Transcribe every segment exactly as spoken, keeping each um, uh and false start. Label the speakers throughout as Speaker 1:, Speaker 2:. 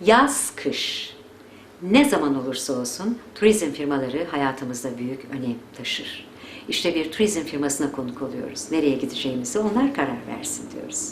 Speaker 1: Yaz, kış, ne zaman olursa olsun turizm firmaları hayatımızda büyük önem taşır. İşte bir turizm firmasına konuk oluyoruz. Nereye gideceğimizi onlar karar versin diyoruz.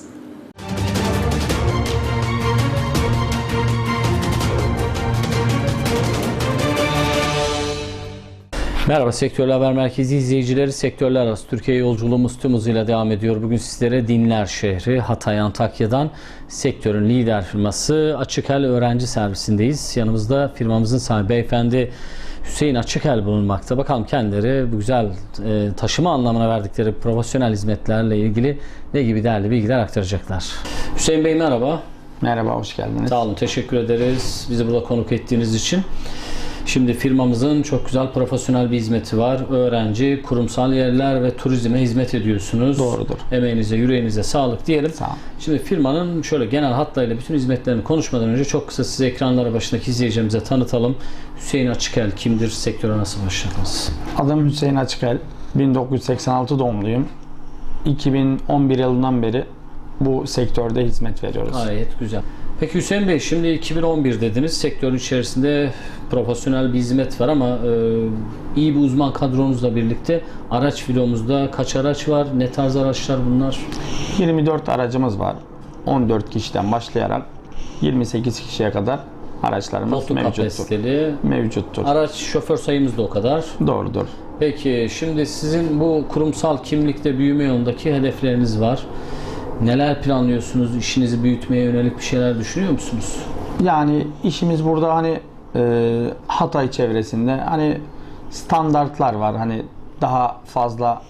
Speaker 2: Merhaba Sektörler Haber Merkezi izleyicileri. Sektörler arası Türkiye yolculuğumuz tüm hızıyla devam ediyor. Bugün sizlere Dinler şehri Hatay Antakya'dan sektörün lider firması Açıkel Öğrenci Servisindeyiz. Yanımızda firmamızın sahibi beyefendi Hüseyin Açıkel bulunmakta. Bakalım kendileri bu güzel e, taşıma anlamına verdikleri profesyonel hizmetlerle ilgili ne gibi değerli bilgiler aktaracaklar. Hüseyin Bey merhaba.
Speaker 3: Merhaba, hoş geldiniz.
Speaker 2: Sağ olun, teşekkür ederiz bizi burada konuk ettiğiniz için. Şimdi firmamızın çok güzel profesyonel bir hizmeti var. Öğrenci, kurumsal yerler ve turizme hizmet ediyorsunuz.
Speaker 3: Doğrudur.
Speaker 2: Emeğinize, yüreğinize sağlık diyelim.
Speaker 3: Sağ olun.
Speaker 2: Şimdi firmanın şöyle genel hatlarıyla bütün hizmetlerini konuşmadan önce çok kısa size ekranlara başındaki izleyicilerimize tanıtalım. Hüseyin Açıkel kimdir? Sektöre nasıl başladınız?
Speaker 3: Adım Hüseyin Açıkel. bin dokuz yüz seksen altı doğumluyum. iki bin on bir yılından beri bu sektörde hizmet veriyoruz.
Speaker 2: Gayet güzel. Peki Hüseyin Bey, şimdi iki bin on bir dediniz. Sektörün içerisinde profesyonel bir hizmet var ama e, iyi bir uzman kadronuzla birlikte araç filomuzda kaç araç var? Ne tarz araçlar bunlar?
Speaker 3: yirmi dört aracımız var. on dört kişiden başlayarak yirmi sekiz kişiye kadar araçlarımız
Speaker 2: Koltuk
Speaker 3: mevcuttur.
Speaker 2: kapasiteli.
Speaker 3: Mevcuttur.
Speaker 2: Araç şoför sayımız da o kadar.
Speaker 3: Doğrudur.
Speaker 2: Peki şimdi sizin bu kurumsal kimlikte büyüme yolundaki hedefleriniz var. Neler planlıyorsunuz? İşinizi büyütmeye yönelik bir şeyler düşünüyor musunuz?
Speaker 3: Yani işimiz burada hani e, Hatay çevresinde hani standartlar var. Hani daha fazla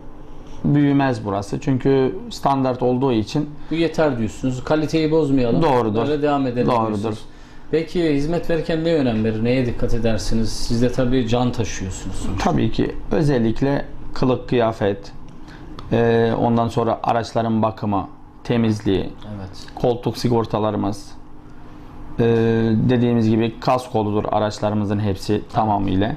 Speaker 3: büyümez burası. Çünkü standart olduğu için.
Speaker 2: Bu yeter diyorsunuz. Kaliteyi bozmayalım.
Speaker 3: Doğrudur.
Speaker 2: Böyle devam edelim
Speaker 3: Doğrudur.
Speaker 2: diyorsunuz. Peki hizmet verirken ne önem verir? Neye dikkat edersiniz? Siz de tabii can taşıyorsunuz.
Speaker 3: Tabii ki özellikle kılık kıyafet, e, ondan sonra araçların bakımı, temizliği,
Speaker 2: Evet.
Speaker 3: koltuk sigortalarımız, e, dediğimiz gibi kaskoludur araçlarımızın hepsi tamamıyla.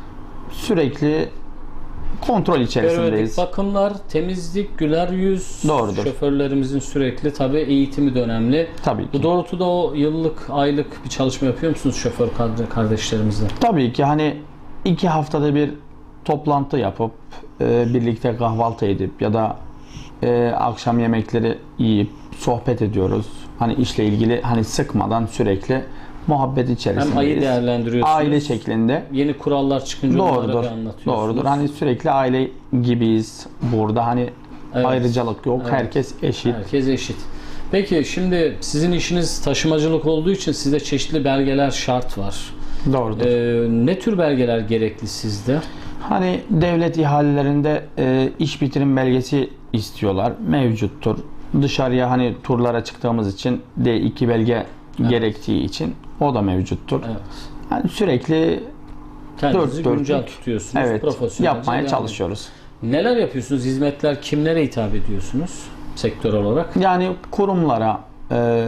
Speaker 3: Sürekli kontrol içerisindeyiz.
Speaker 2: Periyodik bakımlar, temizlik, güler yüz.
Speaker 3: Doğrudur.
Speaker 2: Şoförlerimizin sürekli tabii eğitimi de önemli.
Speaker 3: Tabii ki.
Speaker 2: Bu doğrultuda o yıllık, aylık bir çalışma yapıyor musunuz şoför kardeşlerimizle?
Speaker 3: Tabii ki hani iki haftada bir toplantı yapıp e, birlikte kahvaltı edip ya da e, akşam yemekleri yiyip sohbet ediyoruz. Hani işle ilgili hani sıkmadan sürekli muhabbet içerisindeyiz.
Speaker 2: Hem ayı değerlendiriyorsunuz.
Speaker 3: Aile şeklinde.
Speaker 2: Yeni kurallar çıkınca onlara
Speaker 3: Doğrudur.
Speaker 2: bir anlatıyorsunuz.
Speaker 3: Doğrudur. Hani sürekli aile gibiyiz burada. Hani
Speaker 2: Evet.
Speaker 3: ayrıcalık yok.
Speaker 2: Evet.
Speaker 3: Herkes eşit.
Speaker 2: Herkes eşit. Peki şimdi sizin işiniz taşımacılık olduğu için sizde çeşitli belgeler şart var.
Speaker 3: Doğrudur.
Speaker 2: Ee, ne tür belgeler gerekli sizde?
Speaker 3: Hani devlet ihalelerinde e, iş bitirim belgesi istiyorlar. Mevcuttur. Dışarıya hani turlara çıktığımız için D iki belge
Speaker 2: Evet.
Speaker 3: gerektiği için o da mevcuttur.
Speaker 2: Evet.
Speaker 3: Yani sürekli
Speaker 2: Kendinizi
Speaker 3: dört
Speaker 2: güncel
Speaker 3: dörtlük,
Speaker 2: tutuyorsunuz.
Speaker 3: evet,
Speaker 2: Profesyonelce
Speaker 3: yapmaya
Speaker 2: devam
Speaker 3: çalışıyoruz.
Speaker 2: ediyorsunuz. Neler yapıyorsunuz? Hizmetler kimlere hitap ediyorsunuz sektör olarak?
Speaker 3: Yani kurumlara e,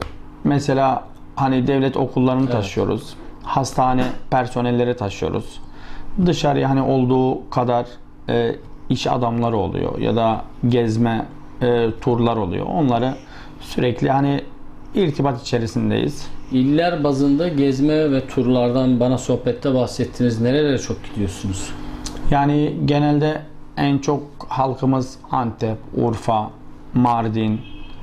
Speaker 3: mesela hani devlet okullarını
Speaker 2: Evet.
Speaker 3: taşıyoruz. Hastane personelleri taşıyoruz. Dışarıya hani olduğu kadar e, iş adamları oluyor ya da gezme e, turlar oluyor. Onları sürekli hani irtibat içerisindeyiz.
Speaker 2: İller bazında gezme ve turlardan bana sohbette bahsettiniz. Nerelere çok gidiyorsunuz?
Speaker 3: Yani genelde en çok halkımız Antep, Urfa, Mardin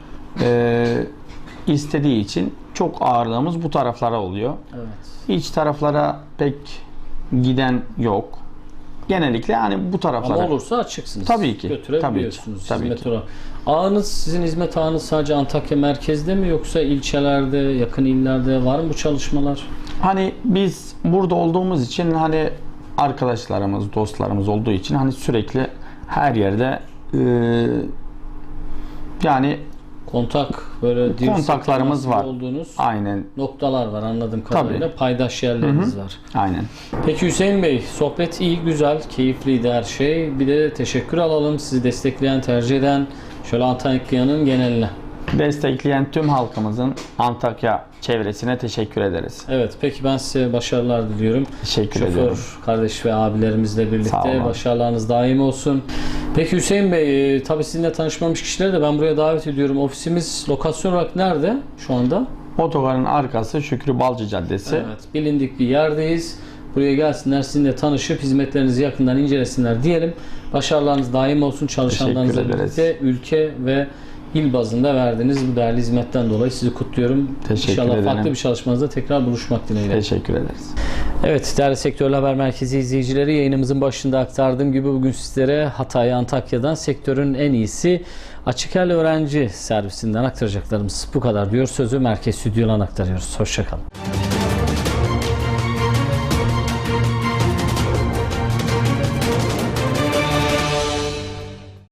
Speaker 3: e, istediği için çok ağırlığımız bu taraflara oluyor.
Speaker 2: Evet.
Speaker 3: İç taraflara pek giden yok. Genellikle hani bu taraflara.
Speaker 2: Ama olursa açıksınız.
Speaker 3: Tabii ki,
Speaker 2: Götürebiliyorsunuz.
Speaker 3: tabii ki, tabii
Speaker 2: hizmet
Speaker 3: ki.
Speaker 2: olarak. Ağınız, sizin hizmet ağınız sadece Antakya merkezde mi yoksa ilçelerde, yakın illerde var mı bu çalışmalar?
Speaker 3: Hani biz burada olduğumuz için hani arkadaşlarımız, dostlarımız olduğu için hani sürekli her yerde e, yani
Speaker 2: Kontak böyle dirsek
Speaker 3: kontaklarımız
Speaker 2: temasında
Speaker 3: var.
Speaker 2: olduğunuz
Speaker 3: Aynen.
Speaker 2: noktalar var anladığım kadarıyla.
Speaker 3: Tabii.
Speaker 2: Paydaş yerleriniz var.
Speaker 3: Aynen.
Speaker 2: Peki Hüseyin Bey, sohbet iyi, güzel, keyifliydi her şey. Bir de teşekkür alalım sizi destekleyen, tercih eden şöyle Antakya'nın geneline.
Speaker 3: Destekleyen tüm halkımızın Antakya çevresine teşekkür ederiz.
Speaker 2: Evet, peki ben size başarılar diliyorum.
Speaker 3: Teşekkür
Speaker 2: Şoför
Speaker 3: ediyorum.
Speaker 2: kardeş ve abilerimizle
Speaker 3: Sağ
Speaker 2: birlikte
Speaker 3: olun.
Speaker 2: başarılarınız daim olsun. Peki Hüseyin Bey, e, tabii sizinle tanışmamış kişileri de ben buraya davet ediyorum. Ofisimiz lokasyon olarak nerede şu anda?
Speaker 3: Otogarın arkası Şükrü Balcı Caddesi.
Speaker 2: Evet, bilindik bir yerdeyiz. Buraya gelsinler, sizinle tanışıp hizmetlerinizi yakından incelesinler diyelim. Başarılarınız daim olsun. Çalışanlarınızla
Speaker 3: Teşekkür ederiz.
Speaker 2: birlikte ülke ve il bazında verdiğiniz bu değerli hizmetten dolayı sizi kutluyorum.
Speaker 3: Teşekkür
Speaker 2: İnşallah
Speaker 3: ederim.
Speaker 2: farklı bir çalışmanızda tekrar buluşmak dileğiyle.
Speaker 3: Teşekkür ederiz.
Speaker 2: Evet, değerli Sektörler Haber Merkezi izleyicileri, yayınımızın başında aktardığım gibi bugün sizlere Hatay, Antakya'dan sektörün en iyisi Açıkel öğrenci servisinden aktaracaklarımız bu kadar diyor. Sözü merkez stüdyodan aktarıyoruz. Hoşça kalın.